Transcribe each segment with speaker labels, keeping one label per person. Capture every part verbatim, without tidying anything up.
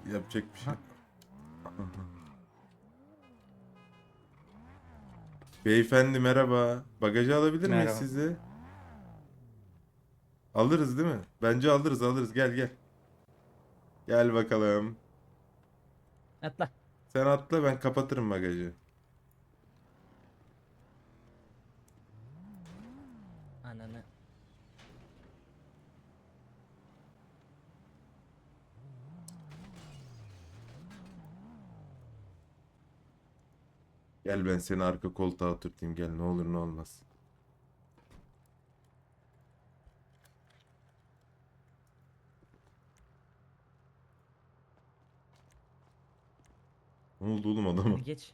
Speaker 1: Yapacak bir şey. Beyefendi merhaba. Bagajı alabilir miyiz
Speaker 2: Merhaba.
Speaker 1: sizi? Alırız değil mi? Bence alırız alırız. Gel gel. Gel bakalım.
Speaker 3: Atla.
Speaker 1: Sen atla, ben kapatırım bagajı.
Speaker 3: Ananı.
Speaker 1: Gel, ben seni arka koltuğa oturtayım. Gel, ne olur ne olmaz. Ne oldu oğlum adama?
Speaker 3: Hadi geç.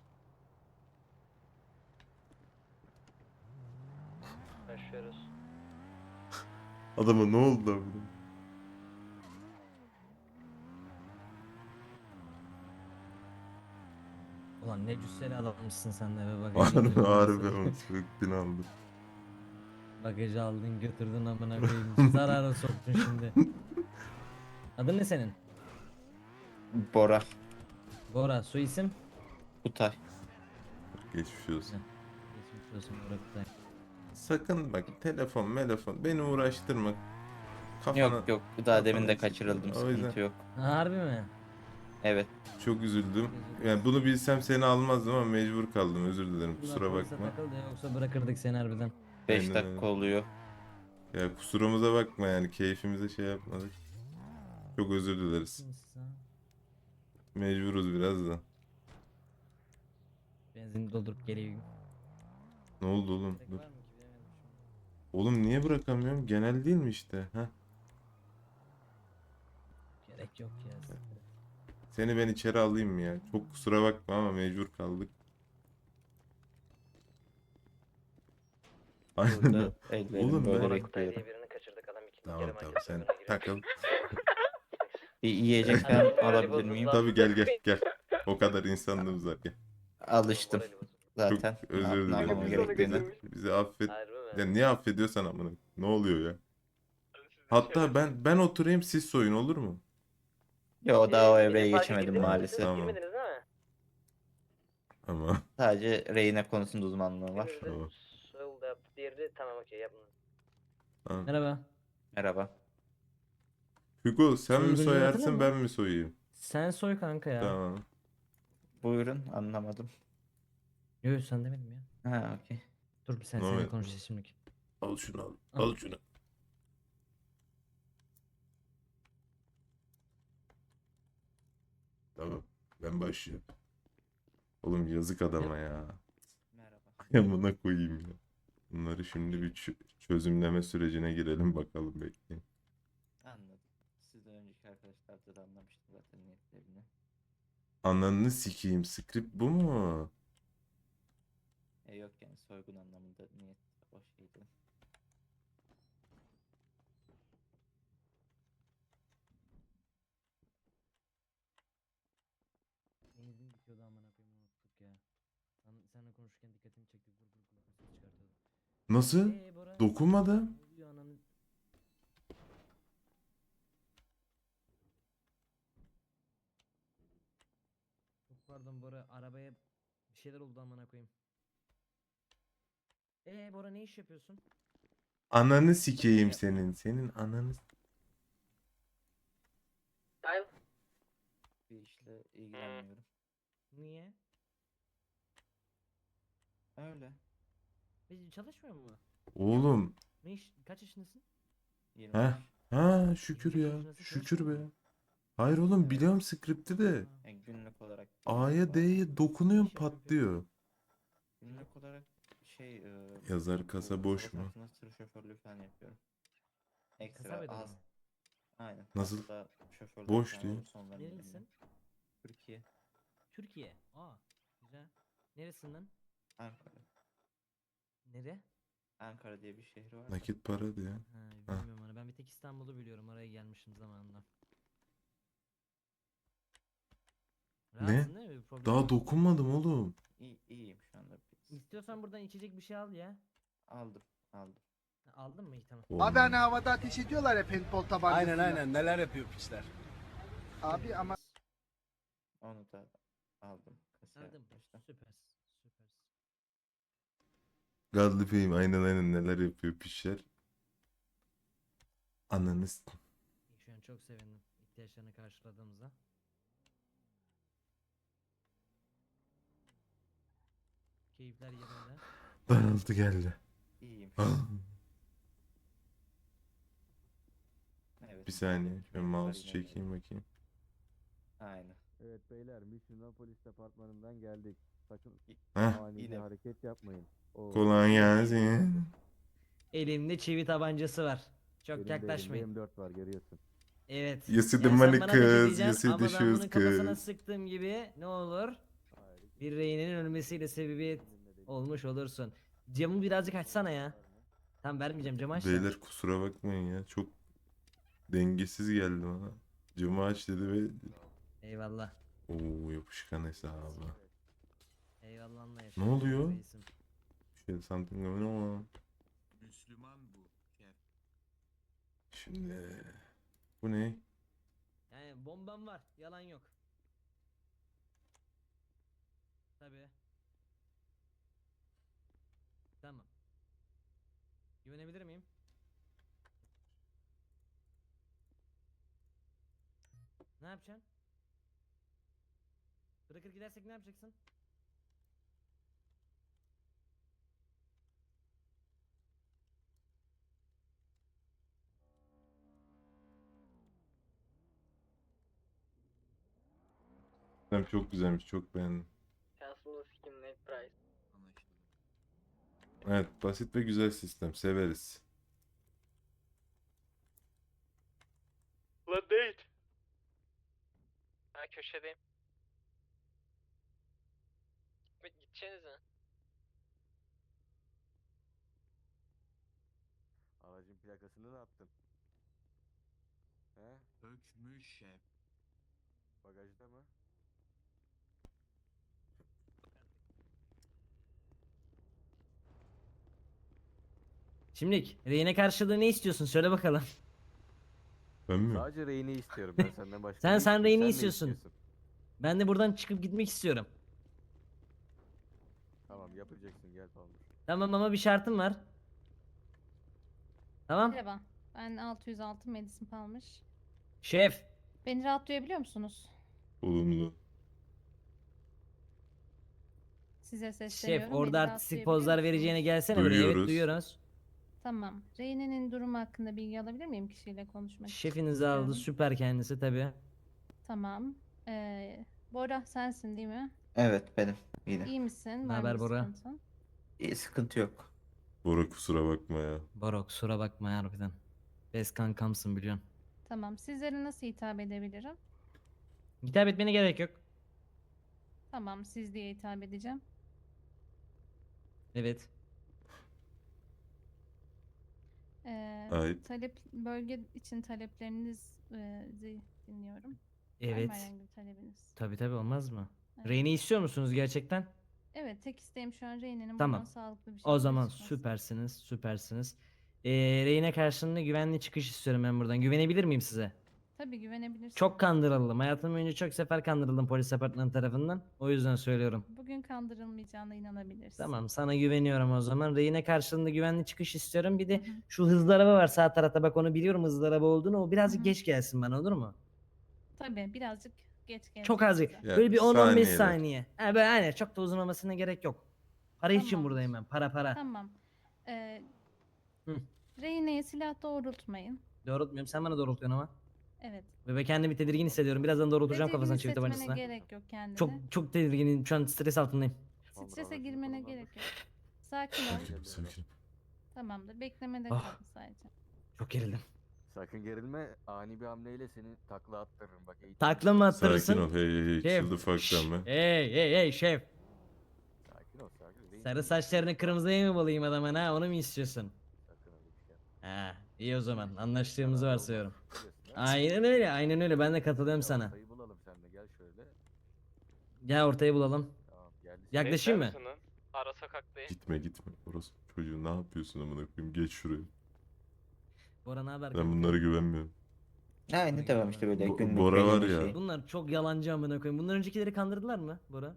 Speaker 4: Başlıyoruz.
Speaker 1: Adama ne oldu lan?
Speaker 3: Ulan ne cüsseli adammışsın sen de be, bagajı
Speaker 1: Harbi
Speaker 3: götürdün
Speaker 1: harbi
Speaker 3: nasıl?
Speaker 1: ama söktün aldım.
Speaker 3: Bagajı aldın götürdün amına koyayım. Zarara soktun şimdi. Adın ne senin?
Speaker 2: Bora.
Speaker 3: Bora, soy isim?
Speaker 2: Kutay.
Speaker 1: Geçmiş olsun.
Speaker 3: Geçmiş olsun Bora Kutay.
Speaker 1: Sakın bak, telefon telefon beni uğraştırma. Kafana,
Speaker 2: Yok yok. Daha demin de
Speaker 1: kafana-
Speaker 2: kaçırıldım.
Speaker 1: O yüzden
Speaker 2: Sıkıntı yok.
Speaker 3: Ha, harbi mi?
Speaker 2: Evet.
Speaker 1: çok üzüldüm. Yani bunu bilsem seni almazdım ama mecbur kaldım. Özür dilerim. Kusura
Speaker 3: Ulan polise
Speaker 1: bakma.
Speaker 3: takıldı, yoksa bırakırdık seni harbiden.
Speaker 2: beş
Speaker 1: Aynen
Speaker 2: dakika
Speaker 1: öyle.
Speaker 2: oluyor.
Speaker 1: Ya kusurumuza bakma, yani keyfimize şey yapmadık. Çok özür dileriz. Mecburuz biraz da.
Speaker 3: Benzin doldurup geleyim.
Speaker 1: Ne oldu oğlum?
Speaker 3: Gerek
Speaker 1: Dur.
Speaker 3: var mı ki, bilemedim şimdi.
Speaker 1: Oğlum niye bırakamıyorum? Genel değil mi işte? Heh.
Speaker 3: Gerek yok ya.
Speaker 1: Seni ben içeri alayım mı ya? Çok kusura bakma ama mecbur kaldık. Aynen.
Speaker 2: Burada ellerim
Speaker 1: Oğlum
Speaker 2: böyle
Speaker 1: ben-
Speaker 4: Bora Kutay
Speaker 2: bekliyorum.
Speaker 4: diye birini kaçırdık, adam ikinci
Speaker 1: Tamam
Speaker 4: kere
Speaker 1: tamam,
Speaker 4: market
Speaker 1: sen
Speaker 4: soygununa giriyor.
Speaker 1: takıl.
Speaker 2: Bir yiyecek falan alabilir miyim?
Speaker 1: Tabii, gel gel gel. O kadar insanlığımız var, gel.
Speaker 2: Alıştım.
Speaker 1: Çok
Speaker 2: Zaten.
Speaker 1: özür
Speaker 2: Ne, ne
Speaker 1: dilerim.
Speaker 2: yapmam
Speaker 1: ya.
Speaker 2: gerektiğini.
Speaker 1: Bizi, bizi affet.
Speaker 4: Harbi mi?
Speaker 1: Ya niye affediyorsan amına. Ne oluyor ya? Hatta ben ben oturayım, siz soyun, olur mu?
Speaker 2: Yo daha o
Speaker 4: Ee,
Speaker 2: evreye
Speaker 4: bizim parka
Speaker 2: geçemedim
Speaker 4: girdiniz mi
Speaker 2: maalesef.
Speaker 4: siz?
Speaker 1: Tamam.
Speaker 4: Girmediniz değil mi?
Speaker 1: Ama
Speaker 2: Sadece rehine konusunda uzmanlığım var.
Speaker 4: Biriniz de
Speaker 1: Tamam.
Speaker 4: soyuldu yaptı, diğeri de tamam okey yapın.
Speaker 1: tamam.
Speaker 3: Merhaba.
Speaker 2: Merhaba.
Speaker 1: Hugo, sen mi
Speaker 3: Soyguncu hatırladın
Speaker 1: soyarsın
Speaker 3: mı?
Speaker 1: ben mi soyayım?
Speaker 3: Sen soy kanka ya.
Speaker 1: Tamam.
Speaker 2: Buyurun anlamadım.
Speaker 3: Yok sen demedim ya.
Speaker 2: Ha okey.
Speaker 3: Dur bir sen
Speaker 1: Ne
Speaker 3: seninle
Speaker 1: oldu?
Speaker 3: konuşacağız şimdi.
Speaker 1: Al şunu al.
Speaker 3: Al.
Speaker 1: Al şunu. Tamam. Ben başlıyorum. Oğlum yazık adama ya.
Speaker 2: Merhaba.
Speaker 1: Yamına koyayım ya. Bunları şimdi bir çö- çözümleme sürecine girelim bakalım, bekleyin.
Speaker 2: Anladım. Siz de önceki arkadaşlar da anlamıştı zaten niyetlerini.
Speaker 1: Ananı sikeyim, script bu mu?
Speaker 2: E yok yani soygun anlamında niyet o şeydi.
Speaker 3: Benzin bitiyordu amına koyayım, unuttuk ya. Sen, seninle konuşurken dikkatimi çekti. Vur vur kulaklığı çıkartıyordum.
Speaker 1: Nasıl?
Speaker 3: Eee Bora.
Speaker 1: Dokunmadım.
Speaker 3: Ne oluyor ananı? Çok pardon Bora, arabaya bir şeyler oldu amına koyayım. Eee Bora, ne iş yapıyorsun?
Speaker 1: Ananı sikeyim senin. Senin ananı.
Speaker 2: Bir işle ilgilenmiyorum.
Speaker 3: Niye?
Speaker 2: Öyle.
Speaker 3: Biz çalışmıyor mu?
Speaker 1: Oğlum.
Speaker 3: Ne iş? Kaç yaşındasın?
Speaker 2: yirmi
Speaker 1: Ha?
Speaker 2: beş.
Speaker 1: Ha şükür
Speaker 3: yirmi beş
Speaker 1: ya.
Speaker 3: yaşındasın,
Speaker 1: Şükür
Speaker 3: çalışmıyor
Speaker 1: be.
Speaker 3: musun?
Speaker 1: Hayır oğlum, biliyorum script'i de.
Speaker 3: Ha.
Speaker 2: Yani günlük olarak
Speaker 1: A'ya D'ye dokunuyorum,
Speaker 3: Ne iş yapıyorsun peki?
Speaker 1: patlıyor.
Speaker 2: günlük olarak şey e,
Speaker 1: Yazar
Speaker 2: bu
Speaker 1: kasa boş
Speaker 2: savaş
Speaker 1: mu?
Speaker 2: altında tır şoförlüğü falan yapıyorum.
Speaker 3: Kasa
Speaker 2: Ekstra
Speaker 3: bedeli
Speaker 2: az.
Speaker 3: mi?
Speaker 2: Aynen.
Speaker 1: Nasıl?
Speaker 2: Haftada şoförlük
Speaker 1: Boş
Speaker 2: falan
Speaker 1: diyor.
Speaker 2: olursa onların yanına.
Speaker 3: Nerelisin?
Speaker 2: Türkiye.
Speaker 3: Türkiye. Aa, güzel. Neresinden?
Speaker 2: Ankara.
Speaker 3: Nere?
Speaker 2: Ankara diye bir şehir var. da.
Speaker 1: Nakit para diyor.
Speaker 3: Ha, bilmiyorum onu. Ben bir tek İstanbul'u biliyorum. Oraya gelmişim zamanında.
Speaker 1: Ne?
Speaker 3: Rahatsın değil mi? Bir problem
Speaker 1: Daha
Speaker 3: yok.
Speaker 1: dokunmadım oğlum.
Speaker 2: İyi, iyiyim şu anda. Bir-
Speaker 3: İstiyorsan buradan içecek bir şey al ya.
Speaker 2: Aldım. Aldım.
Speaker 3: Ha, aldın mı? İyi tamam.
Speaker 5: Abi hani
Speaker 1: Oğlum.
Speaker 5: havada ateş ediyorlar ya paintball tabancasıyla.
Speaker 6: Aynen aynen neler yapıyor piçler.
Speaker 5: Abi ama
Speaker 2: Onu da aldım. Kasaya
Speaker 3: Aldın.
Speaker 2: başta.
Speaker 3: Süpersin. Süpersin.
Speaker 1: Godly Fame aynen aynen neler yapıyor pişler. Ananız.
Speaker 3: Şu an çok sevindim ihtiyaçlarını karşıladığımıza. Keyifler yerinde.
Speaker 1: Daraltı geldi.
Speaker 2: İyiyim. Evet.
Speaker 1: Bir saniye.
Speaker 2: müdahale
Speaker 1: Şöyle
Speaker 2: etmeye
Speaker 1: mouse
Speaker 2: var yine de.
Speaker 1: çekeyim bakayım.
Speaker 2: Aynen.
Speaker 5: Evet beyler, Mission Polis Departmanı'ndan geldik. Sakın
Speaker 1: Heh.
Speaker 5: ani bir
Speaker 2: Yine.
Speaker 5: hareket yapmayın. O
Speaker 1: Kolay gelsin.
Speaker 3: Elimde çivi tabancası var. Çok
Speaker 5: benim de elimde
Speaker 3: yaklaşmayın.
Speaker 5: M dört var, görüyorsun.
Speaker 3: Evet.
Speaker 1: Yası
Speaker 3: Yani
Speaker 1: the
Speaker 3: sen
Speaker 1: money
Speaker 3: bana da ne
Speaker 1: kız,
Speaker 3: diyeceksin
Speaker 1: yası
Speaker 3: ama
Speaker 1: the
Speaker 3: ben bunun
Speaker 1: shoes
Speaker 3: kafasına
Speaker 1: kız.
Speaker 3: sıktığım gibi ne olur?
Speaker 5: Hayır.
Speaker 3: Bir reynenin ölmesiyle sebebiyet
Speaker 5: Benimle değil.
Speaker 3: olmuş olursun. Camı birazcık açsana ya. Tamam vermeyeceğim, camı aç da.
Speaker 1: Beyler kusura bakmayın ya. Çok dengesiz geldi bana. Camı aç dedi ve
Speaker 3: Eyvallah.
Speaker 1: ooo yapışkan hesabı.
Speaker 3: Eyvallah anlayış.
Speaker 1: Ne oluyor?
Speaker 3: Reisim.
Speaker 1: Şey something going on.
Speaker 6: Müslüman bu şef.
Speaker 1: Şimdi bu ne?
Speaker 3: Yani bombam var. Yalan yok. Tabii. Tamam. Güvenebilir miyim? Ne yapacaksın? Bırakır gidersek ne yapacaksın?
Speaker 1: Sistem çok güzelmiş. Çok beğendim.
Speaker 4: Şansımızı sikim net price.
Speaker 6: Anlaşıldı.
Speaker 1: Evet basit ve güzel sistem. Severiz.
Speaker 4: La date. Ha köşedeyim. Gitme, gideceğiniz mi?
Speaker 5: Aracın plakasını ne yaptın? He?
Speaker 6: Ökmüş şef.
Speaker 5: Bagajda mı?
Speaker 3: Şimdilik rehine karşılığı ne istiyorsun? Söyle bakalım.
Speaker 1: Ben mi?
Speaker 5: Sadece reyini istiyorum ben senden başka.
Speaker 3: Sen-
Speaker 5: ne
Speaker 3: sen
Speaker 5: istiyorum?
Speaker 3: reyini
Speaker 5: ne
Speaker 3: istiyorsun. Ben de buradan çıkıp gitmek istiyorum.
Speaker 5: Tamam yapacaksın, gel Palmer.
Speaker 3: Tamam ama bir şartım var. Tamam.
Speaker 7: Merhaba, ben altı yüz altı Madison Palmer.
Speaker 3: Şef.
Speaker 7: Beni rahat duyabiliyor musunuz?
Speaker 1: Olumlu.
Speaker 7: Size sesleniyorum.
Speaker 3: Şef
Speaker 7: beni
Speaker 3: orada
Speaker 7: rahat
Speaker 3: artistik
Speaker 7: duyabiliyor
Speaker 3: pozlar
Speaker 7: musunuz?
Speaker 3: vereceğine gelsene buraya. Evet
Speaker 1: Duyuyoruz.
Speaker 3: duyuyoruz.
Speaker 7: Tamam. Reyne'nin durumu hakkında bilgi alabilir miyim kişiyle konuşmak için?
Speaker 3: Şefiniz aldı
Speaker 7: istiyorum.
Speaker 3: süper kendisi tabi.
Speaker 7: Tamam. Ee, Bora sensin değil mi?
Speaker 2: Evet benim. Yine.
Speaker 7: İyi misin? Var mı
Speaker 3: Naber
Speaker 7: bir
Speaker 3: Bora?
Speaker 7: sıkıntın?
Speaker 2: İyi, sıkıntı yok.
Speaker 1: Bora kusura bakma ya.
Speaker 3: Baro kusura bakma ya harbiden. Best kankamsın biliyorsun.
Speaker 7: Tamam. Sizlere nasıl hitap edebilirim?
Speaker 3: Hitap etmene gerek yok.
Speaker 7: Tamam. Siz diye hitap edeceğim.
Speaker 3: Evet.
Speaker 7: Ee,
Speaker 1: Ait.
Speaker 7: talep bölge için taleplerinizi dinliyorum. Var mı
Speaker 3: Evet.
Speaker 7: herhangi bir talebiniz?
Speaker 3: Tabi tabi olmaz mı?
Speaker 7: Evet.
Speaker 3: Reyni istiyor musunuz gerçekten?
Speaker 7: Evet, tek isteğim şu an Reyne'nin
Speaker 3: Tamam.
Speaker 7: buradan sağlıklı bir şekilde
Speaker 3: O zaman
Speaker 7: çıkması.
Speaker 3: süpersiniz süpersiniz. Ee, Reyne karşılığında güvenli çıkış istiyorum ben buradan. Güvenebilir miyim size?
Speaker 7: Tabii güvenebilirsin.
Speaker 3: Çok kandırıldım. Hayatım boyunca çok sefer kandırıldım polis departmanı tarafından. O yüzden söylüyorum.
Speaker 7: Bugün kandırılmayacağına inanabilirsin.
Speaker 3: Tamam sana güveniyorum o zaman. Reyne karşılığında güvenli çıkış istiyorum. Bir de
Speaker 7: Hı hı.
Speaker 3: şu hızlı araba var sağ tarafta bak onu biliyorum hızlı araba olduğunu. O birazcık
Speaker 7: Hı hı.
Speaker 3: geç gelsin bana olur mu?
Speaker 7: Tabii birazcık geç gelecek
Speaker 3: Çok az.
Speaker 7: size.
Speaker 1: Ya,
Speaker 3: Böyle bir on on beş
Speaker 1: saniyeler.
Speaker 3: saniye. Ha böyle aynen çok da uzun olmasına gerek yok. Para için
Speaker 7: Tamamdır.
Speaker 3: buradayım ben. Para para.
Speaker 7: Tamam. Ee,
Speaker 3: Hı.
Speaker 7: Reyne'ye silah doğrultmayın.
Speaker 3: Doğrultmuyorum. Sen bana doğrultuyorsun ama.
Speaker 7: Evet.
Speaker 3: Ve ben kendimi tedirgin hissediyorum. Birazdan doğrultacağım
Speaker 7: Tedirgin
Speaker 3: kafasına çift
Speaker 7: hissetmene
Speaker 3: tabancasına.
Speaker 7: gerek yok kendine.
Speaker 3: Çok çok tedirginim. Şu an stres altındayım.
Speaker 5: Palmer,
Speaker 7: Strese
Speaker 5: aracını
Speaker 7: girmene
Speaker 5: konumlandır.
Speaker 7: gerek yok. Sakin ol.
Speaker 1: Sakinim sakinim.
Speaker 7: Tamamdır. Beklemede
Speaker 3: Ah.
Speaker 7: kalın sadece.
Speaker 3: Çok gerildim.
Speaker 5: Sakın gerilme, ani bir hamleyle seni takla attırırım bak. eğitim-
Speaker 3: Takla mı attırırsın?
Speaker 1: Sakin ol. Hey hey hey.
Speaker 3: Şef.
Speaker 1: Chill the fuck
Speaker 3: şşş,
Speaker 1: down man.
Speaker 3: Hey hey hey şef.
Speaker 5: Sakin ol, sakin. Reyin-
Speaker 3: Sarı saçlarını kırmızıya mı bulayım adamın ha? Onu mu istiyorsun?
Speaker 5: Sakın öyle bir şey yapma.
Speaker 3: Ha, iyi o zaman. Anlaştığımızı
Speaker 5: Zararlı
Speaker 3: varsayıyorum.
Speaker 5: olmaz, biliyorsun ya.
Speaker 3: Aynen öyle. Aynen öyle. Ben de katılıyorum
Speaker 5: Gel
Speaker 3: sana.
Speaker 5: ortayı bulalım seninle, gel şöyle.
Speaker 3: Gel ortayı bulalım.
Speaker 5: Tamam geldi.
Speaker 3: Yaklaşayım mı?
Speaker 4: Ara sokaktayım.
Speaker 1: Gitme gitme. Orası çocuğu ne yapıyorsun amına koyayım? Geç şuraya.
Speaker 3: Bora ne haber?
Speaker 1: Ben
Speaker 3: kanka?
Speaker 1: bunlara güvenmiyorum.
Speaker 2: Aynı devam işte böyle
Speaker 1: Bo-
Speaker 2: günlük
Speaker 1: Bora
Speaker 2: belli
Speaker 1: var
Speaker 2: bir
Speaker 1: ya.
Speaker 2: şey.
Speaker 3: Bunlar çok yalancı amına koyayım. Bundan öncekileri kandırdılar mı Bora?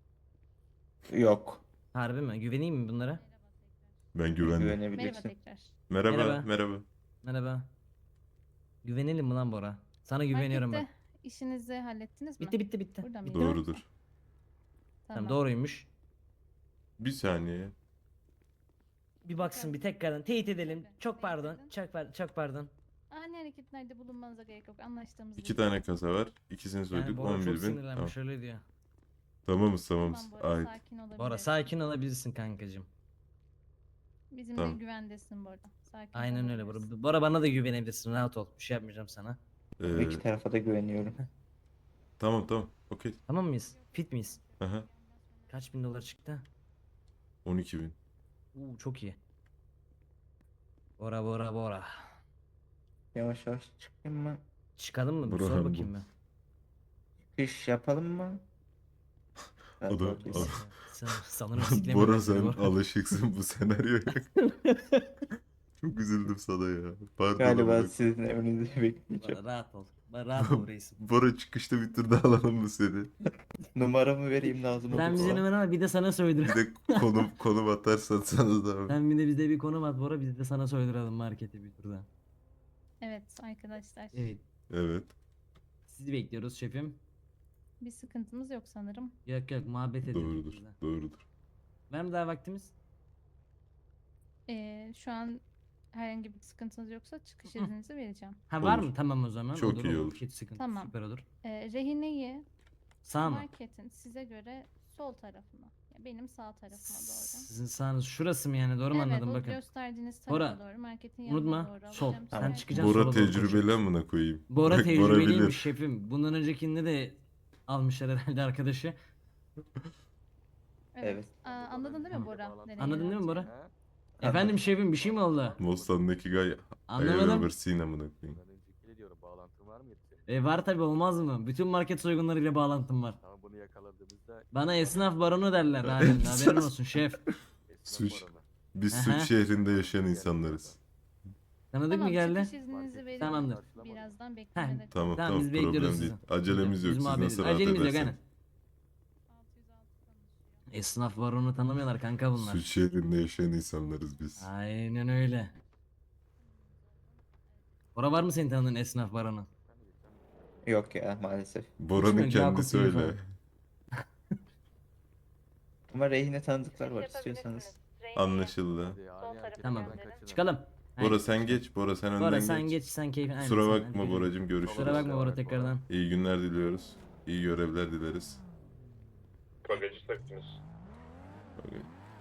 Speaker 2: Yok.
Speaker 3: Harbi mi? Güveneyim mi bunlara?
Speaker 1: Ben güvendim.
Speaker 7: Merhaba
Speaker 2: Güvenebilirsin.
Speaker 7: tekrar.
Speaker 1: Merhaba,
Speaker 3: Merhaba.
Speaker 1: merhaba.
Speaker 3: Merhaba. Güvenelim mi lan Bora? Sana güveniyorum ben.
Speaker 7: Markette işinizi hallettiniz mi?
Speaker 3: Bitti bitti bitti.
Speaker 7: Burada
Speaker 3: Bitti
Speaker 7: mıydı?
Speaker 3: mi?
Speaker 1: Doğrudur.
Speaker 3: Tamam doğruymuş.
Speaker 1: Bir saniye.
Speaker 3: Bir baksın bir tekrardan teyit edelim.
Speaker 7: Şöyle,
Speaker 3: Çok
Speaker 7: teyit
Speaker 3: pardon.
Speaker 7: edin.
Speaker 3: Çok pardon. Çok pardon.
Speaker 7: Ani hareketlerde bulunmanıza gerek yok. Anlaştığımız
Speaker 1: İki
Speaker 7: bir
Speaker 1: tane
Speaker 7: şey.
Speaker 1: kasa var. İkisini
Speaker 3: Yani
Speaker 1: soyduk.
Speaker 3: Bora
Speaker 1: on
Speaker 3: çok
Speaker 1: bir bin. Tamam.
Speaker 3: sinirlenmiş öyle diyor.
Speaker 1: Tamamız tamamız.
Speaker 7: Tamam Bora,
Speaker 1: Ait.
Speaker 7: sakin olabilirsin.
Speaker 3: Bora sakin olabilirsin kankacığım.
Speaker 7: Bizimle
Speaker 1: Tamam.
Speaker 7: güvendesin Bora. Sakin
Speaker 3: Aynen öyle Bora.
Speaker 7: olabilirsin.
Speaker 3: Bora bana da güvenebilirsin. Rahat ol. Bir şey yapmayacağım sana.
Speaker 1: Ee,
Speaker 2: İki tarafa da güveniyorum.
Speaker 1: tamam tamam. Okey.
Speaker 3: Tamam mıyız? Fit miyiz?
Speaker 1: Aha.
Speaker 3: Kaç bin dolar çıktı?
Speaker 1: on iki bin.
Speaker 3: Uuu çok iyi. Bora Bora Bora.
Speaker 2: Yavaş yavaş çıkayım mı?
Speaker 3: Çıkalım mı? Bir
Speaker 1: Bora
Speaker 3: sor
Speaker 1: bu.
Speaker 3: bakayım ben.
Speaker 2: İş yapalım mı? Ben
Speaker 1: Adam-
Speaker 2: bakayım.
Speaker 1: adam-
Speaker 3: Sen, sanırım sikleme
Speaker 1: Bora
Speaker 3: yapıyor
Speaker 1: sen
Speaker 3: Bora.
Speaker 1: alışıksın bu senaryoya. Çok üzüldüm sana ya. Pardon.
Speaker 2: Galiba
Speaker 1: amına-
Speaker 2: sizin emrinizi bekleyeceğim.
Speaker 3: Bora rahat ol. Bora rahat ol reisim.
Speaker 1: Bora çıkışta bir tur daha alalım mı seni?
Speaker 2: Numaramı vereyim lazım
Speaker 3: Sen bize
Speaker 2: olursa.
Speaker 3: hemen ama bir de sana söyledim.
Speaker 1: Bir de konum konum atarsan sana da.
Speaker 3: Sen bir de bize bir konum at Bora biz de sana söydürelim markete bir turda.
Speaker 7: Evet arkadaşlar.
Speaker 3: Evet.
Speaker 1: Evet.
Speaker 3: Sizi bekliyoruz şefim.
Speaker 7: Bir sıkıntımız yok sanırım.
Speaker 3: Yok yok muhabbet edelim.
Speaker 1: Doğrudur.
Speaker 3: biz de.
Speaker 1: Doğrudur.
Speaker 3: Var mı daha vaktimiz?
Speaker 7: Ee, şu an herhangi bir sıkıntınız yoksa çıkış
Speaker 3: Hı.
Speaker 7: izninizi vereceğim.
Speaker 3: Ha var
Speaker 1: Olur.
Speaker 3: mı? Tamam o zaman.
Speaker 1: Çok
Speaker 3: olur,
Speaker 1: iyi
Speaker 3: olur.
Speaker 1: olur.
Speaker 3: Hiç sıkıntı.
Speaker 7: Tamam.
Speaker 3: Süper olur.
Speaker 7: Ee, rehineyi
Speaker 3: Sağ mı?
Speaker 7: marketin size göre sol tarafına. ya Benim sağ tarafıma doğru.
Speaker 3: Sizin sağınız şurası mı yani? Doğru mu
Speaker 7: Evet,
Speaker 3: anladım?
Speaker 7: o
Speaker 3: Bakın.
Speaker 7: gösterdiğiniz tarafa
Speaker 3: Bora,
Speaker 7: doğru, marketin yanına
Speaker 3: Unutma.
Speaker 7: doğru
Speaker 3: Sol.
Speaker 7: alacağım
Speaker 3: Sen
Speaker 7: sizi.
Speaker 3: çıkacaksın.
Speaker 1: Bora
Speaker 3: sola doğru
Speaker 1: tecrübeli
Speaker 3: koşuyoruz.
Speaker 1: amına koyayım.
Speaker 3: Bora
Speaker 1: Bak,
Speaker 3: tecrübeliymiş
Speaker 1: bilir.
Speaker 3: şefim. Bundan öncekinde de almışlar herhalde arkadaşı.
Speaker 7: Evet. Aa, anladın değil mi Bora? Nereye
Speaker 3: Anladın değil mi Bora?
Speaker 7: yöneleceğini?
Speaker 2: Ha?
Speaker 3: Efendim şefim bir şey mi oldu?
Speaker 1: Mostan'daki guy I
Speaker 3: Anlamadım.
Speaker 1: ever seen amına koyayım.
Speaker 5: Ben öncekiyle diyorum bağlantın var mıydı senin?
Speaker 3: E var tabi olmaz mı? Bütün market soygunlarıyla bağlantım var.
Speaker 5: Ama bunu yakaladığımızda
Speaker 3: Bana esnaf baronu derler halen. Haberin olsun şef.
Speaker 1: Suç.
Speaker 5: esnaf oranı.
Speaker 1: Biz
Speaker 3: Aha.
Speaker 1: suç şehrinde yaşayan insanlarız.
Speaker 3: Tanıdık
Speaker 7: Tamam,
Speaker 3: mı geldi?
Speaker 7: çıkış izninizi veririm.
Speaker 3: Tamamdır.
Speaker 7: Birazdan beklemede
Speaker 1: Tamam
Speaker 3: Tamam,
Speaker 1: tamam,
Speaker 3: biz bekliyoruz
Speaker 1: problem
Speaker 3: sizi.
Speaker 1: değil. Acelemiz yok.
Speaker 3: Biz
Speaker 1: Siz
Speaker 3: muhabbet
Speaker 1: nasıl
Speaker 3: ediyoruz.
Speaker 1: rahat
Speaker 3: Acelemiz yok
Speaker 1: ederseniz.
Speaker 3: aynen. Esnaf baronu tanımıyorlar kanka bunlar.
Speaker 1: Suç şehrinde yaşayan insanlarız biz.
Speaker 3: Aynen öyle. Bora var mı senin tanıdığın esnaf baronu?
Speaker 2: Yok ya maalesef.
Speaker 1: Bora'nın
Speaker 3: Hiç mi?
Speaker 1: kendisi
Speaker 3: Yakup
Speaker 1: öyle.
Speaker 3: Yusuf.
Speaker 2: Ama rehine tanıdıklar var istiyorsanız.
Speaker 1: Anlaşıldı.
Speaker 5: Hadi ani hareketlerden
Speaker 3: Tamam.
Speaker 5: kaçının.
Speaker 3: Çıkalım.
Speaker 1: Bora
Speaker 3: Aynen.
Speaker 1: sen geç. Bora sen önden
Speaker 3: Bora
Speaker 1: geç.
Speaker 3: sen geç sen keyfin. aynen
Speaker 1: Kusura
Speaker 3: sen.
Speaker 1: bakma
Speaker 3: Hadi.
Speaker 1: Boracım, görüşürüz.
Speaker 3: Kusura bakma Bora tekrardan.
Speaker 1: İyi günler diliyoruz. İyi görevler dileriz.
Speaker 8: Bagajı taktınız.
Speaker 1: Okey.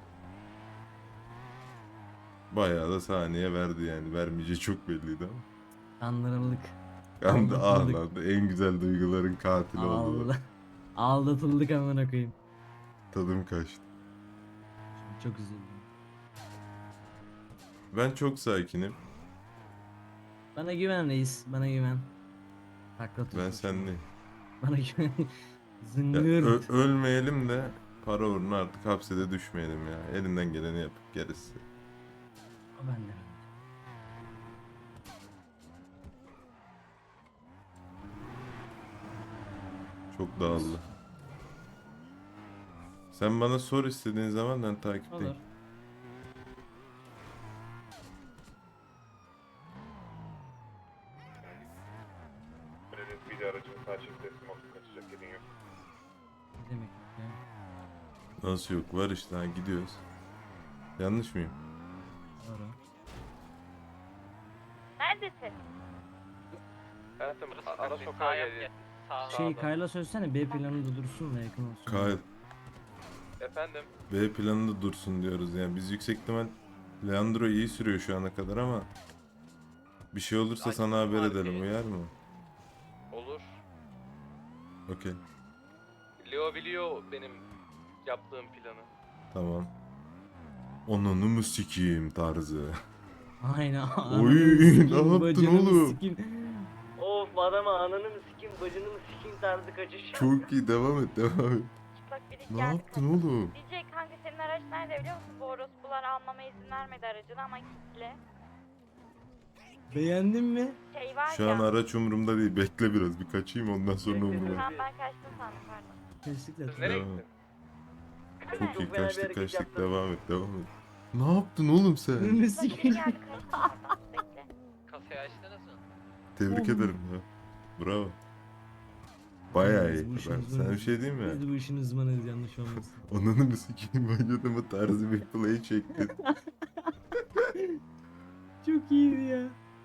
Speaker 1: Bayağı da saniye verdi yani. Vermeyeceği çok belliydi ama.
Speaker 3: Kandırıldık.
Speaker 1: Kandı
Speaker 3: Aldatıldık.
Speaker 1: ağlandı. En güzel duyguların katili oldu.
Speaker 3: Allah. Aldatıldık amına koyayım.
Speaker 1: Tadım kaçtı.
Speaker 3: Çok üzüldüm.
Speaker 1: Ben çok sakinim.
Speaker 3: Bana güven reis. Bana güven. Takla tut.
Speaker 1: Ben senleyim.
Speaker 3: Bana güven.
Speaker 1: Ya,
Speaker 3: Zıngır.
Speaker 1: ö- ölmeyelim de para uğruna artık hapsede düşmeyelim ya. Elinden geleni yapıp gerisi.
Speaker 3: O bende.
Speaker 1: Çok dağıldı. Sen bana sor istediğin zaman ben takipteyim.
Speaker 3: Olur.
Speaker 8: Bir de aracın parçası teslim olsun, kaçacak yerin yok.
Speaker 3: Ne demek ya?
Speaker 1: Nasıl yok? Var işte, ha, gidiyoruz. Yanlış mıyım?
Speaker 3: Doğru.
Speaker 9: Neredesin?
Speaker 4: Hayatım
Speaker 5: Burası
Speaker 4: ara
Speaker 5: kaçtı.
Speaker 4: sokağa
Speaker 5: Sağa yap
Speaker 4: gel.
Speaker 5: gel.
Speaker 4: Sağ
Speaker 3: Şey Kayla söylesene B planında dursun da yakın olsun.
Speaker 1: Kyle,
Speaker 4: Efendim.
Speaker 1: B planında dursun diyoruz yani. Biz yüksek ihtimal Leandro iyi sürüyor şu ana kadar ama bir şey olursa
Speaker 4: Sanki
Speaker 1: sana haber
Speaker 4: var
Speaker 1: edelim,
Speaker 4: bir-
Speaker 1: uyar mı?
Speaker 4: Olur.
Speaker 1: Okey,
Speaker 4: Leo biliyor benim yaptığım planı.
Speaker 1: tamam. Onunu mu sikiyim tarzı.
Speaker 3: Aynen.
Speaker 1: Oy, ne yaptın oğlum?
Speaker 3: Of adama ananı mı sikeyim bacını mı sikeyim tarzı kaçış.
Speaker 1: Çok iyi, devam et, devam et.
Speaker 9: Çıplak birlik
Speaker 1: Ne
Speaker 9: geldi
Speaker 1: yaptın oğlum?
Speaker 9: Diyecek kanka senin araç nerede biliyor musun? Bu orospular almama izin vermedi aracını ama kilitli.
Speaker 3: Beğendin mi?
Speaker 9: Şey var
Speaker 1: Şu
Speaker 9: ya.
Speaker 1: an araç umurumda değil. Bekle biraz bir kaçayım ondan sonra umurumda.
Speaker 9: Tamam ben kaçtım sandım pardon.
Speaker 3: Kesinlikle.
Speaker 4: Siz nereye
Speaker 1: Devam.
Speaker 4: gittin?
Speaker 1: Çok iyi kaçtık kaçtık devam et devam et. Ne yaptın oğlum sen?
Speaker 3: Önünü
Speaker 9: Bak biri
Speaker 3: sikeyim.
Speaker 9: geldi kaçtım oradan. Bekle.
Speaker 4: Kasayı açtınız mı?
Speaker 1: Tebrik ederim ya. Bravo. Bayağı iyi.
Speaker 3: Biz bu işin
Speaker 1: Ben,
Speaker 3: uzmanıyız.
Speaker 1: sana bir şey diyeyim mi?
Speaker 3: Biz de bu işin uzmanıyız yanlış olmasın.
Speaker 1: Ananı sikeyim vücudumu tarzı bir play çektin.
Speaker 3: Çok iyiydi ya.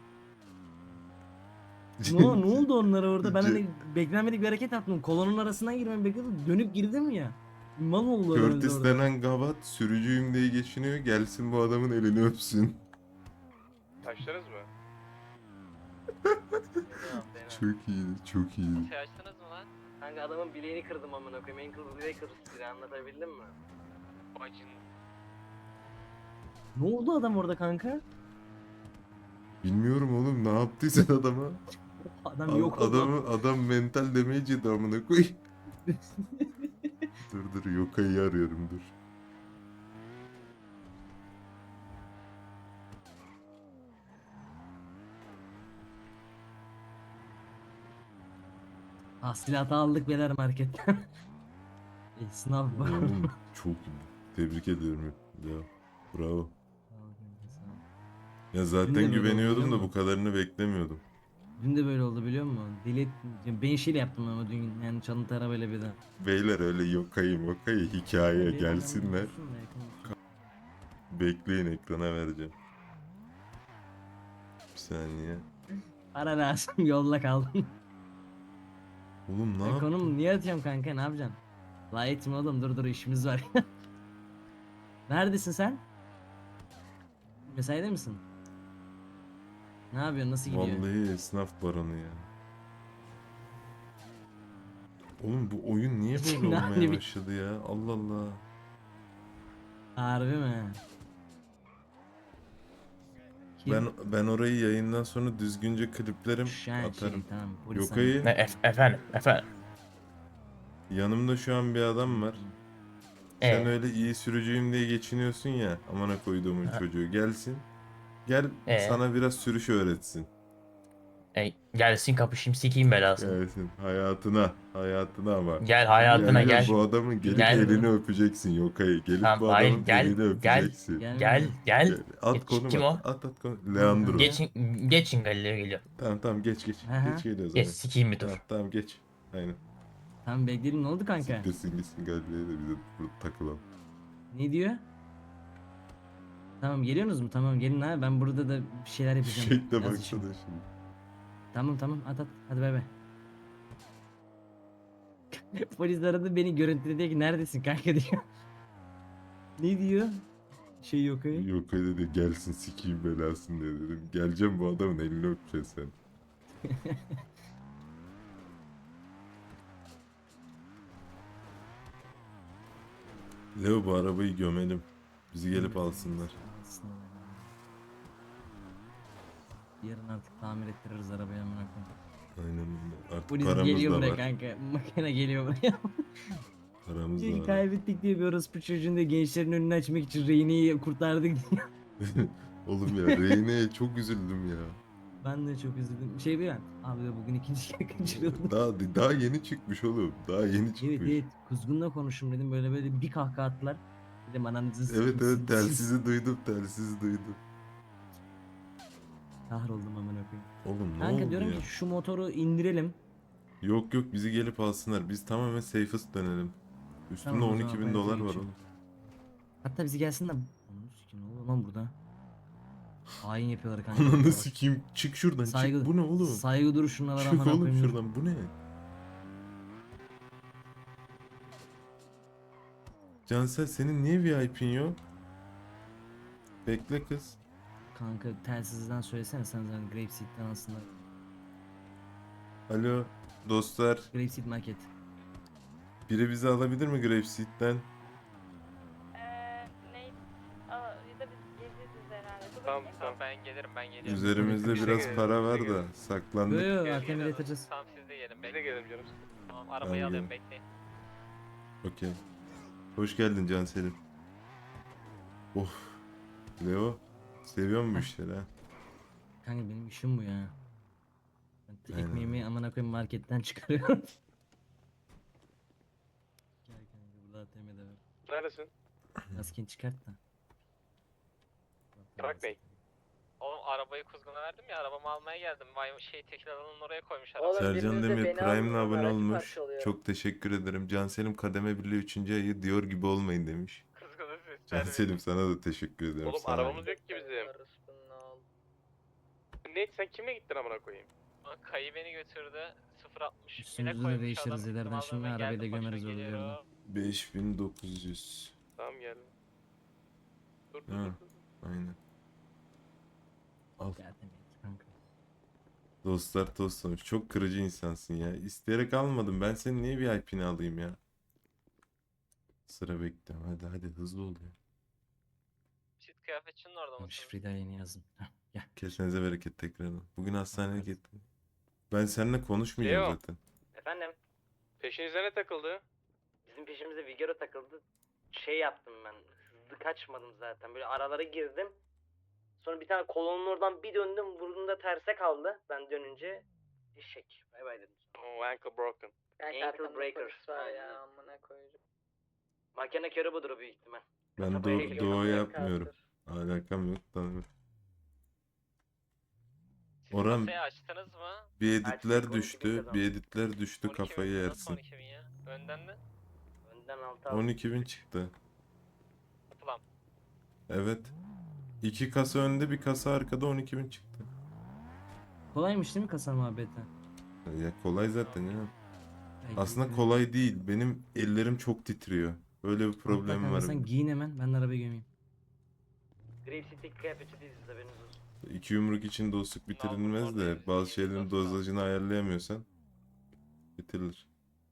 Speaker 3: ne, ne oldu onlara orada? Ben hani beklenmedik bir hareket yaptım. Kolonun arasından girmemi bekledim. Dönüp girdim ya. Mal oldu herhalde
Speaker 1: Curtis
Speaker 3: orada.
Speaker 1: denen gavat sürücüyüm diye geçiniyor. Gelsin bu adamın elini öpsün.
Speaker 4: Açtınız mı?
Speaker 1: Çok iyiydi çok iyiydi.
Speaker 4: Kasayı açtınız mı lan?
Speaker 10: Kanka adamın bileğini kırdım amına koyayım. Ankle bileği kırdım size anlatabildim mi?
Speaker 4: Bacın.
Speaker 3: Ne oldu adam orada kanka?
Speaker 1: Bilmiyorum oğlum ne yaptıysan adama.
Speaker 3: Adam
Speaker 1: Ad-
Speaker 3: yok oldu.
Speaker 1: adamı, adam mental damage yedi amına koy. dur dur Yoka'yı arıyorum dur.
Speaker 3: Hasılatı aldık beyler marketten. E, sınav var.
Speaker 1: Oğlum çok iyi. Tebrik ediyorum ya. Bravo. Ya
Speaker 3: Dün de
Speaker 1: zaten
Speaker 3: böyle
Speaker 1: güveniyordum
Speaker 3: oldu,
Speaker 1: da
Speaker 3: değil
Speaker 1: bu
Speaker 3: mi?
Speaker 1: kadarını beklemiyordum.
Speaker 3: Dün de böyle oldu biliyor musun? Deli ben şeyle yaptım ama dün yani çalıntı arabayla bir de.
Speaker 1: Beyler öyle Yoka'yı Moka'yı hikaye
Speaker 3: Tabii,
Speaker 1: gelsinler.
Speaker 3: adam olsun da yakın olsun.
Speaker 1: Bekleyin ekrana vereceğim. Bir saniye.
Speaker 3: Para lazım yolla kaldım.
Speaker 1: Oğlum ne
Speaker 3: E,
Speaker 1: yaptın?
Speaker 3: konum niye atıyorum kanka ne yapacaksın? La etme oğlum dur dur işimiz var. Neredesin sen? Mesaide misin? Ne yapıyorsun nasıl gidiyor?
Speaker 1: Vallahi esnaf baronu ya. Oğlum bu oyun niye böyle
Speaker 3: Ne
Speaker 1: olmaya
Speaker 3: yapayım?
Speaker 1: başladı ya? Allah Allah.
Speaker 3: Harbi mi? Kim?
Speaker 1: Ben ben orayı yayından sonra düzgünce kliplerim
Speaker 3: Şen şey
Speaker 1: atarım.
Speaker 3: tamam polis
Speaker 1: Yoka'yı
Speaker 11: Ne ef- efendim efendim.
Speaker 1: yanımda şu an bir adam var.
Speaker 11: Ee?
Speaker 1: Sen öyle iyi sürücüyüm diye geçiniyorsun ya. Amına koyduğumun
Speaker 11: Ha.
Speaker 1: çocuğu gelsin. Gel
Speaker 11: Ee?
Speaker 1: sana biraz sürüş öğretsin.
Speaker 11: E, gelsin kapışayım sikeyim belasını.
Speaker 1: Gelsin hayatına, hayatına ama.
Speaker 11: Gel hayatına
Speaker 1: Gel,
Speaker 11: gel.
Speaker 1: Bu adamın gelip
Speaker 11: Gel.
Speaker 1: elini öpeceksin Yoka'yı. Gelip
Speaker 11: Tamam,
Speaker 1: bu
Speaker 11: hayır,
Speaker 1: adamın
Speaker 11: gel,
Speaker 1: elini
Speaker 11: gel.
Speaker 1: öpeceksin.
Speaker 3: Gel.
Speaker 11: Gel gel.
Speaker 1: Gel. At
Speaker 11: Geç,
Speaker 1: konum
Speaker 11: kim
Speaker 1: at.
Speaker 11: o?
Speaker 1: At at konum. Leandro.
Speaker 11: Geçin geçin Galileo geliyor.
Speaker 1: Tamam tamam geç geç.
Speaker 3: Aha.
Speaker 1: Geç geliyor
Speaker 11: Geç
Speaker 1: zaten.
Speaker 11: sikeyim bir
Speaker 1: Tamam,
Speaker 11: tur.
Speaker 1: tamam geç. Aynen.
Speaker 3: Tamam bekleyelim ne oldu kanka?
Speaker 1: Siktirsin gitsin Galile'ye de bize burada takılalım.
Speaker 3: Ne diyor? Tamam geliyorsunuz mu? Tamam gelin ha ben burada da bir şeyler yapacağım.
Speaker 1: Şekle
Speaker 3: Yaz işim.
Speaker 1: baksana şimdi.
Speaker 3: Tamam tamam at at hadi bay bay. Polis aradı beni görüntüledi diyor ki neredesin kanka diyor. Ne diyor? Şey yok öyle.
Speaker 1: Yok öyle dedi gelsin sikeyim belasını diye dedim. Geleceğim bu adamın elini öpeceksin sen. Leo bu arabayı gömelim. Bizi gelip alsınlar.
Speaker 3: Yarın artık tamir ettiririz arabayı amına koyayım.
Speaker 1: Aynen öyle. Artık
Speaker 3: Polis
Speaker 1: paramız
Speaker 3: geliyor
Speaker 1: da
Speaker 3: buraya
Speaker 1: var.
Speaker 3: kanka. Makine geliyor buraya.
Speaker 1: Paramız
Speaker 3: Çünkü
Speaker 1: da var.
Speaker 3: kaybettik diye bir orospu çocuğun da gençlerin önünü açmak için Reyne'yi kurtardık diye.
Speaker 1: Oğlum ya Reyne'ye çok üzüldüm ya.
Speaker 3: Ben de çok üzüldüm. Şey bir an. Abi de bugün ikinci kere kaçırıldım.
Speaker 1: Daha daha yeni çıkmış oğlum. Daha yeni çıkmış.
Speaker 3: Evet evet. Kuzgun'la konuştum dedim böyle böyle bir kahkaha attılar. Dedim ananızı
Speaker 1: Evet
Speaker 3: sikeyim,
Speaker 1: evet
Speaker 3: siz-
Speaker 1: telsizi duydum telsizi duydum.
Speaker 3: Kahroldum amına koyayım.
Speaker 1: Oğlum ne
Speaker 3: Kanka
Speaker 1: oldu
Speaker 3: diyorum
Speaker 1: ya?
Speaker 3: ki şu motoru indirelim.
Speaker 1: Yok yok bizi gelip alsınlar. Biz tamamen safest dönelim. Üstünde
Speaker 3: Tamam, o
Speaker 1: on
Speaker 3: zaman
Speaker 1: iki
Speaker 3: ben
Speaker 1: bin dolar
Speaker 3: yapayım
Speaker 1: var
Speaker 3: şimdi.
Speaker 1: oğlum.
Speaker 3: Hatta bizi gelsin de... Onu sikeyim ne oluyor lan burada? Hain yapıyorlar kanka.
Speaker 1: Ananı
Speaker 3: Bak,
Speaker 1: sikeyim. Çık şuradan
Speaker 3: Saygı-
Speaker 1: çık. Bu ne oğlum?
Speaker 3: Saygı duruşuna var
Speaker 1: Çık
Speaker 3: amına
Speaker 1: oğlum
Speaker 3: koyayım. dur.
Speaker 1: şuradan. Bu ne? Cansel senin niye V I P'in yok? Bekle kız.
Speaker 3: Kanka telsizden söylesene sen zaten Grapeseed'den aslında.
Speaker 1: Alo dostlar.
Speaker 3: Grapeseed market.
Speaker 1: Biri bizi alabilir mi Grapeseed'den?
Speaker 9: Eee ne? Aa, ya da biz gezeceğiz herhalde. Dur
Speaker 4: Tamam
Speaker 9: bakayım.
Speaker 4: tamam ben gelirim ben gelirim.
Speaker 1: Üzerimizde
Speaker 4: Bize
Speaker 1: biraz
Speaker 4: gelin,
Speaker 1: para
Speaker 4: bize
Speaker 1: var
Speaker 4: gelin.
Speaker 1: da saklandık.
Speaker 3: Yo yo
Speaker 4: Gel,
Speaker 3: Akemir
Speaker 4: gel.
Speaker 3: yatacağız.
Speaker 4: Tamam siz de gelin. Biz de gelelim canım. Tamam
Speaker 1: Tamam,
Speaker 4: arabayı alayım
Speaker 1: gelin.
Speaker 4: bekleyin.
Speaker 1: Okey. Hoş geldin Cansel'im. Of. Leo. Seviyor mu bu işleri ha?
Speaker 3: Kanka benim işim bu ya. Ben
Speaker 1: Aynen.
Speaker 3: ekmeğimi amına koyayım marketten çıkarıyorum. Gel kanka burada A T M'de var.
Speaker 8: Neredesin?
Speaker 3: Maskeni çıkart da.
Speaker 8: Trak Bey.
Speaker 4: Oğlum arabayı kuzguna verdim ya, arabamı almaya geldim. Vay şey tekil alanın oraya koymuş
Speaker 10: Oğlum,
Speaker 4: arabayı.
Speaker 1: Sercan
Speaker 10: biriniz de
Speaker 1: Demir
Speaker 10: beni
Speaker 1: Prime'la
Speaker 10: alın,
Speaker 1: abone
Speaker 10: aracı
Speaker 1: olmuş.
Speaker 10: parçalıyor.
Speaker 1: Çok teşekkür ederim. Canselim kademe birliği üçüncü ayı diyor gibi olmayın demiş.
Speaker 4: Kuzguna ses
Speaker 1: Canselim sana da teşekkür ederim.
Speaker 8: Oğlum
Speaker 1: sağ ol.
Speaker 8: arabamız yok ki bizim. Ne sen kimle gittin amına koyayım?
Speaker 4: Kayı beni götürdü. sıfır altmış
Speaker 3: Üstümüzü de
Speaker 4: koymuş
Speaker 3: değiştiririz
Speaker 4: adam.
Speaker 3: ileriden.
Speaker 4: Gittim
Speaker 3: Şimdi
Speaker 4: aldım ve
Speaker 3: arabayı da
Speaker 4: geldim,
Speaker 3: gömeriz
Speaker 4: başına
Speaker 3: orada
Speaker 4: geliyor.
Speaker 3: yerden.
Speaker 1: beş bin dokuz yüz.
Speaker 8: Tamam geldim. Dur dur
Speaker 1: Ha.
Speaker 8: dur. dur.
Speaker 1: Aynen. Al.
Speaker 3: A T M'de kanka.
Speaker 1: Dostlar toslamış. Çok kırıcı insansın ya. İsteyerek almadım. Ben senin niye V I P'ni alayım ya? Sıra bekliyorum. Hadi hadi hızlı ol ya.
Speaker 4: Çift kıyafetçinin orada
Speaker 3: Tamam,
Speaker 4: mısın?
Speaker 3: şifreyi daha yeni yazdım. Heh, gel.
Speaker 1: Kesenize bereket tekrardan. Bugün hastaneye gittim. Ben seninle konuşmayacağım
Speaker 8: Leo.
Speaker 1: zaten.
Speaker 10: Efendim?
Speaker 8: Peşinize ne takıldı?
Speaker 10: Bizim peşimize Vigero takıldı. Şey yaptım ben. Hızlı kaçmadım zaten. Böyle aralara girdim. Sonra bir tane kolonun oradan bir döndüm. Burnumda terse kaldı. Ben dönünce eşek. Bay bay dedim.
Speaker 8: Oh, ankle broken.
Speaker 10: Ankle breaker. Aynen. Makine körü budur büyük ihtimal.
Speaker 1: Ben
Speaker 10: Kafaya
Speaker 1: do
Speaker 10: geliyor,
Speaker 1: doğa
Speaker 10: kafaya
Speaker 1: yapmıyorum.
Speaker 10: kalktır.
Speaker 1: Alakam yok. Tamam.
Speaker 4: Siz
Speaker 1: Orhan,
Speaker 4: kasayı açtınız mı?
Speaker 1: bir editler
Speaker 10: Açtık, on iki bin
Speaker 1: düştü.
Speaker 10: kazandık.
Speaker 1: Bir editler düştü.
Speaker 4: on iki bin
Speaker 1: Kafayı
Speaker 4: mi? Nasıl
Speaker 1: yersin.
Speaker 4: on iki bin ya? Önden mi?
Speaker 10: Önden altı aldım.
Speaker 1: on iki bin çıktı.
Speaker 4: Toplam.
Speaker 1: Evet. İki kasa önde bir kasa arkada on iki bin çıktı.
Speaker 3: Kolaymış değil mi kasa muhabbeti?
Speaker 1: Ya kolay zaten ya.
Speaker 3: Ay,
Speaker 1: Aslında
Speaker 3: güzel.
Speaker 1: kolay değil. Benim ellerim çok titriyor. Böyle bir
Speaker 3: Hatta
Speaker 1: problemim
Speaker 3: kanka
Speaker 1: var.
Speaker 3: Sen giyin hemen ben de arabayı gömeyim.
Speaker 10: Grave City kıyafeti değiliz haberiniz olsun.
Speaker 1: İki yumruk için dostluk bitirilmez de bazı şeylerin dozajını ayarlayamıyorsan bitirilir.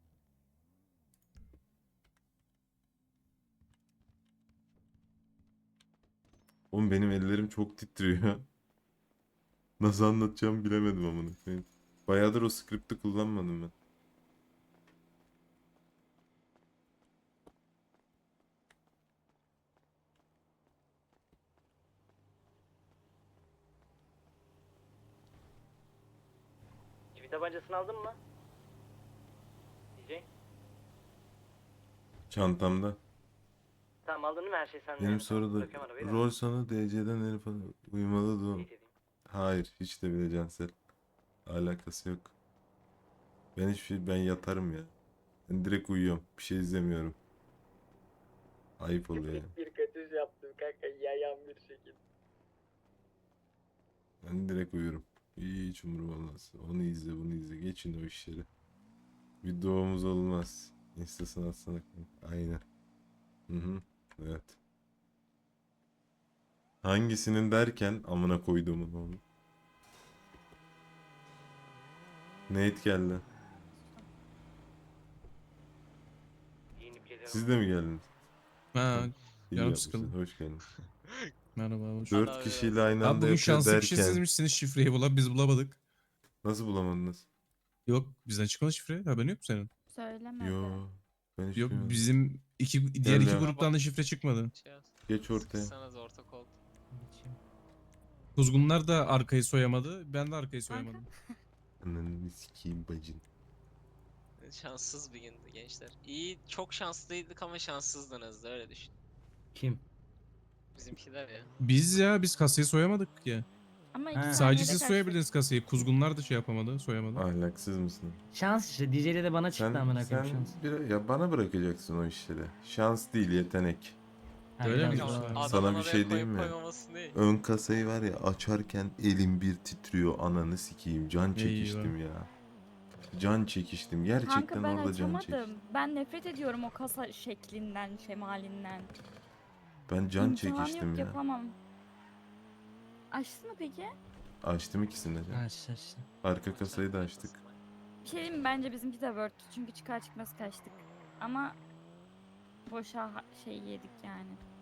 Speaker 1: Oğlum benim ellerim çok titriyor. Nasıl anlatacağımı bilemedim amına koyayım. Bayağıdır o skripti kullanmadım ben.
Speaker 10: Çivi tabancasını aldın mı? D J.
Speaker 1: Çantamda.
Speaker 10: Tamam aldın mı her şey sende?
Speaker 1: Benim
Speaker 10: yani.
Speaker 1: soruda
Speaker 10: Bırakıyorum arabayı da.
Speaker 1: rol sonu D C'den Elif Hanım uyumalı doğum.
Speaker 10: Teyit edeyim.
Speaker 1: Hayır hiç de bile Cansel. Alakası yok. Ben hiçbir şey ben yatarım ya. Ben direkt uyuyorum. Bir şey izlemiyorum. Ayıp oluyor ya.
Speaker 10: Bir kaçış yaptım kanka yayan bir şekilde.
Speaker 1: Ben direkt uyurum. Hiç umurum olmaz. Onu izle bunu izle. Geçin o işleri. Bir doğumuz olmaz. İnstasını atsana. Aynen. Hı hı. Evet. Hangisinin derken amına koyduğumun onu. Nate geldi.
Speaker 10: Giyinip geliyorum.
Speaker 1: Siz de mi geldiniz?
Speaker 12: Ha,
Speaker 1: İyi
Speaker 12: Canım
Speaker 1: yapmışsın.
Speaker 12: sıkıldı.
Speaker 1: Hoş geldin.
Speaker 12: merhaba. Hoş.
Speaker 1: Dört
Speaker 4: Ana
Speaker 1: kişiyle aynı
Speaker 12: Abi
Speaker 1: anda
Speaker 12: bugün
Speaker 1: yapıyor
Speaker 12: şanslı
Speaker 1: derken.
Speaker 12: kişi sizmişsiniz şifreyi bulan biz bulamadık.
Speaker 1: Nasıl bulamadınız?
Speaker 12: Yok bizden çıkmadı şifre haberin yok mu senin?
Speaker 9: Söylemedi.
Speaker 1: Yo. Ben hiç
Speaker 12: Yok
Speaker 1: duymadım.
Speaker 12: bizim iki diğer iki
Speaker 1: ya.
Speaker 12: gruptan da şifre çıkmadı.
Speaker 4: Şey yaz.
Speaker 1: Geç ortaya.
Speaker 4: Sıkışsanız ortak oldu.
Speaker 12: Kuzgunlar da arkayı soyamadı. Ben de arkayı soyamadım.
Speaker 1: Ananı sikeyim bacın.
Speaker 4: Şanssız bir gündü gençler. İyi, çok şanslıydık ama şanssızdınız da öyle düşün.
Speaker 3: Kim?
Speaker 4: Bizimkiler ya.
Speaker 12: Biz ya biz kasayı soyamadık ya.
Speaker 9: Ama iki
Speaker 3: Ha.
Speaker 9: saniyede
Speaker 12: Sadece siz
Speaker 9: kaçtık.
Speaker 12: soyabildiniz kasayı. Kuzgunlar da şey yapamadı, soyamadı.
Speaker 1: Ahlaksız mısın?
Speaker 3: Şans işte D J'de de bana çıktı
Speaker 1: Sen,
Speaker 3: amına
Speaker 1: sen
Speaker 3: koyayım şans.
Speaker 1: bir, ya bana bırakacaksın o işleri. Şans değil yetenek.
Speaker 3: Ha,
Speaker 12: Öyle
Speaker 3: biraz
Speaker 12: mi
Speaker 3: daha-
Speaker 12: diyorsun?
Speaker 4: Adamın
Speaker 1: Sana bir
Speaker 4: oraya
Speaker 1: şey
Speaker 4: koyup
Speaker 1: diyeyim mi?
Speaker 4: koymaması değil.
Speaker 1: Ön kasayı var ya açarken elim bir titriyor ananı sikeyim. Can
Speaker 12: Eyvah.
Speaker 1: çekiştim ya. Can çekiştim. Gerçekten
Speaker 9: Kanka ben
Speaker 1: orada can
Speaker 9: açamadım.
Speaker 1: çekiştim.
Speaker 9: Ben nefret ediyorum o kasa şeklinden, şemalinden.
Speaker 1: Ben can
Speaker 9: İmkanı
Speaker 1: çekiştim
Speaker 9: yok,
Speaker 1: ya.
Speaker 9: yapamam. Açtı mı peki?
Speaker 1: Açtım ikisini de.
Speaker 3: Ha işte işte.
Speaker 1: Arka kasayı da açtık.
Speaker 9: Bir şey diyeyim mi? Bence bizimki de Word'tü çünkü çıkar çıkmaz kaçtık. Ama boşa ha- şey yedik yani.